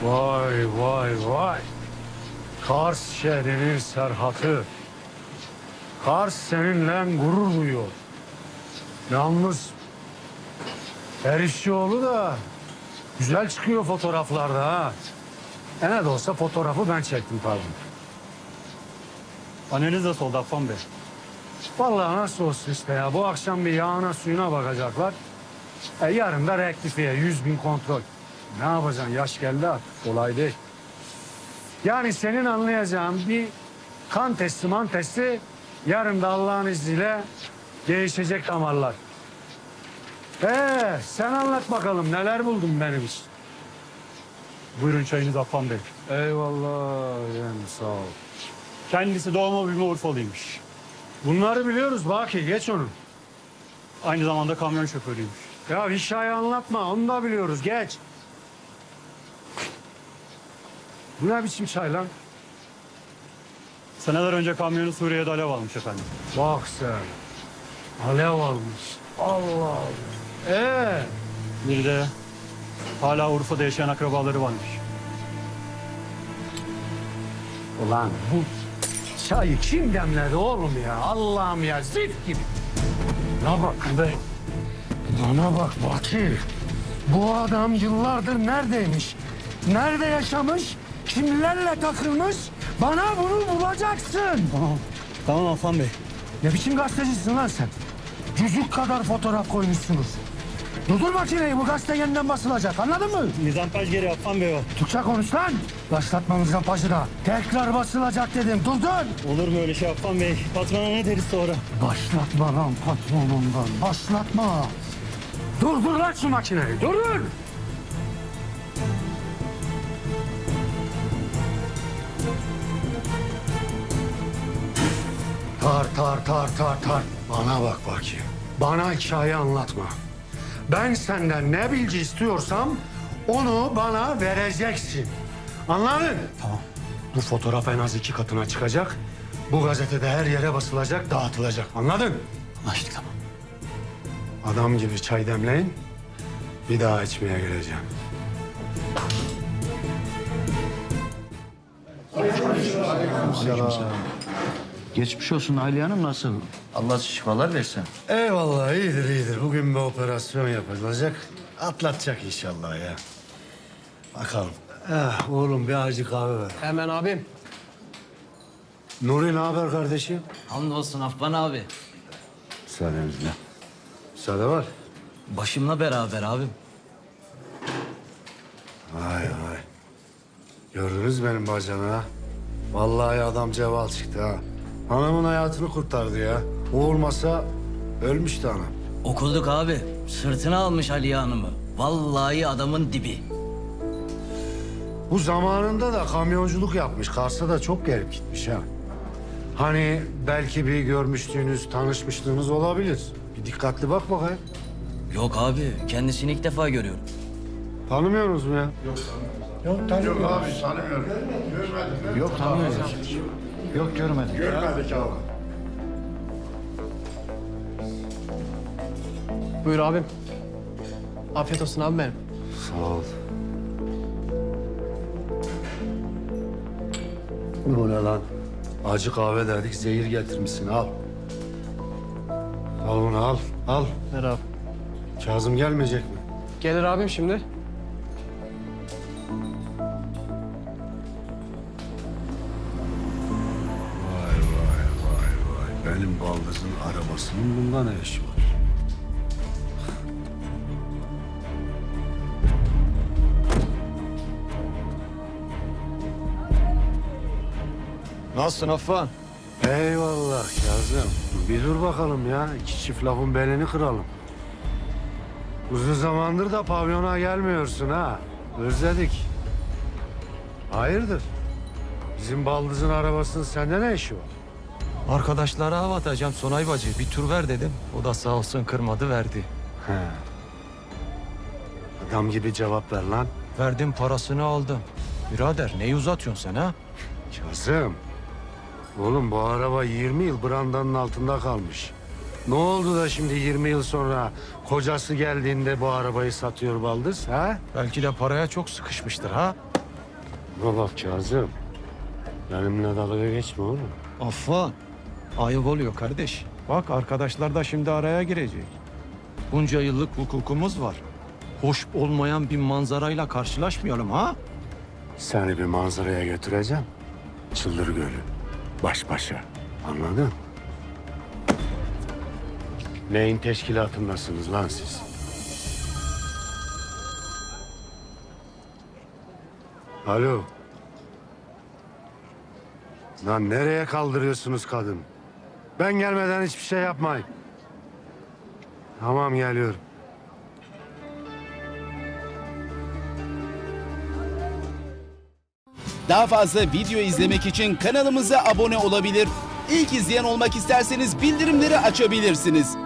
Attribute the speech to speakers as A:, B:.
A: Vay vay vay. Kars şehrinin serhatı. Kars seninle gurur duyuyor. Yalnız Erişçioğlu da güzel çıkıyor fotoğraflarda ha. Ne de olsa fotoğrafı ben çektim tabii.
B: Anneniz de soldu Affan Bey.
A: Vallahi nasıl olsun işte ya. Bu akşam bir yağına suyuna bakacaklar. Yarın da rektifiye 100.000 kontrol. Ne yapacaksın? Yaş geldi artık. Kolay değil. Yani senin anlayacağın bir kan testi man testi yarın da Allah'ın izniyle değişecek damarlar. Sen anlat bakalım neler buldun benim için.
B: Buyurun çayınız Affan Bey.
A: Eyvallah yani sağ ol.
B: Kendisi doğma büyüme Urfalıymış.
A: Bunları biliyoruz Baki geç onu.
B: Aynı zamanda kamyon şoförüymüş.
A: Ya hikaye anlatma onu da biliyoruz geç. Bu ne biçim çay lan?
B: Seneler önce kamyonu Suriye'de alev almış efendim.
A: Bak sen. Alev almış. Allah Allah.
B: Bir de hala Urfa'da yaşayan akrabaları varmış.
A: Ulan bu çayı kim demledi oğlum ya? Allah'ım ya zift gibi. Bana bak be. Bana bak Baki. Bu adam yıllardır neredeymiş? Nerede yaşamış? Kimlerle takılmış? Bana bunu bulacaksın.
B: Tamam Affan Bey.
A: Ne biçim gazetecisin lan sen? Cücük kadar fotoğraf koymuşsunuz. Durdur makineyi, bu gazete yeniden basılacak, anladın mı?
B: Mizampaj geri Affan Bey o.
A: Türkçe konuş lan. Başlatmamızdan paşına. Tekrar basılacak dedim, durdur.
B: Olur mu öyle şey Affan Bey? Patrona ne deriz sonra?
A: Başlatma lan patronundan, başlatma. Durdur lan şu makineyi, durdur. Tar. Bana bak bakayım. Bana hikaye anlatma. Ben senden ne bilgi istiyorsam onu bana vereceksin. Anladın?
B: Tamam.
A: Bu fotoğraf en az 2 katına çıkacak. Bu gazetede her yere basılacak, dağıtılacak. Anladın?
B: Anlaştık tamam.
A: Adam gibi çay demleyin. Bir daha içmeye geleceğim.
C: Geçmiş olsun Aliye Hanım, nasıl? Allah şifalar versin.
A: Eyvallah, iyidir. Bugün bir operasyon yapılacak. Atlatacak inşallah ya. Bakalım. Oğlum bir acı kahve ver.
D: Hemen abim.
A: Nuri ne haber kardeşim?
D: Hamdolsun Affan abi.
A: Müsaadenizle. Müsaade var.
D: Başımla beraber abim.
A: Vay. Gördünüz benim bacanı ha. Vallahi adam ceval çıktı ha. Anamın hayatını kurtardı ya. O olmasa ölmüştü anam.
D: Okulduk abi. Sırtına almış Aliye Hanım'ı. Vallahi adamın dibi.
A: Bu zamanında da kamyonculuk yapmış. Kars'a da çok gelip gitmiş ha. Hani belki bir görmüştüğünüz, tanışmışlığınız olabilir. Bir dikkatli bak bakayım.
D: Yok abi. Kendisini ilk defa görüyorum.
A: Tanımıyorsunuz mu ya?
C: Yok tanımıyoruz. Yok görmedik.
E: Buyur abim. Afiyet olsun abi benim.
A: Sağ ol. Bu ne lan? Acı kahve dedik, zehir getirmişsin. Al. Al bunu al. Al.
E: Ver abi.
A: Kazım gelmeyecek mi?
E: Gelir abim şimdi.
A: Vay. Benim baldızın arabasının bunda ne işi var?
F: Nasılsın Affan?
A: Eyvallah Kazım. Bir dur bakalım ya. 2 çift lafın belini kıralım. Uzun zamandır da pavyona gelmiyorsun ha. Özledik. Hayırdır? Bizim baldızın arabasının sende ne işi var?
F: Arkadaşlara hava atacağım Sonay bacı. Bir tur ver dedim. O da sağ olsun kırmadı verdi.
A: He. Adam gibi cevap ver lan.
F: Verdim parasını aldım. Birader neyi uzatıyorsun sen ha?
A: Kazım. Oğlum bu araba 20 yıl brandanın altında kalmış. Ne oldu da şimdi 20 yıl sonra kocası geldiğinde bu arabayı satıyor baldız ha?
F: Belki de paraya çok sıkışmıştır ha?
A: Ne bak Kazım. Benimle dalga geçme oğlum.
F: Affan. Ayıp oluyor kardeş. Bak arkadaşlar da şimdi araya girecek. Bunca yıllık hukukumuz var. Hoş olmayan bir manzarayla karşılaşmayalım ha?
A: Seni bir manzaraya götüreceğim. Çıldır Gölü. Baş başa. Anladın? Neyin teşkilatındasınız lan siz? Alo. Lan nereye kaldırıyorsunuz kadın? Ben gelmeden hiçbir şey yapmayın. Tamam geliyorum.
G: Daha fazla video izlemek için kanalımıza abone olabilir. İlk izleyen olmak isterseniz bildirimleri açabilirsiniz.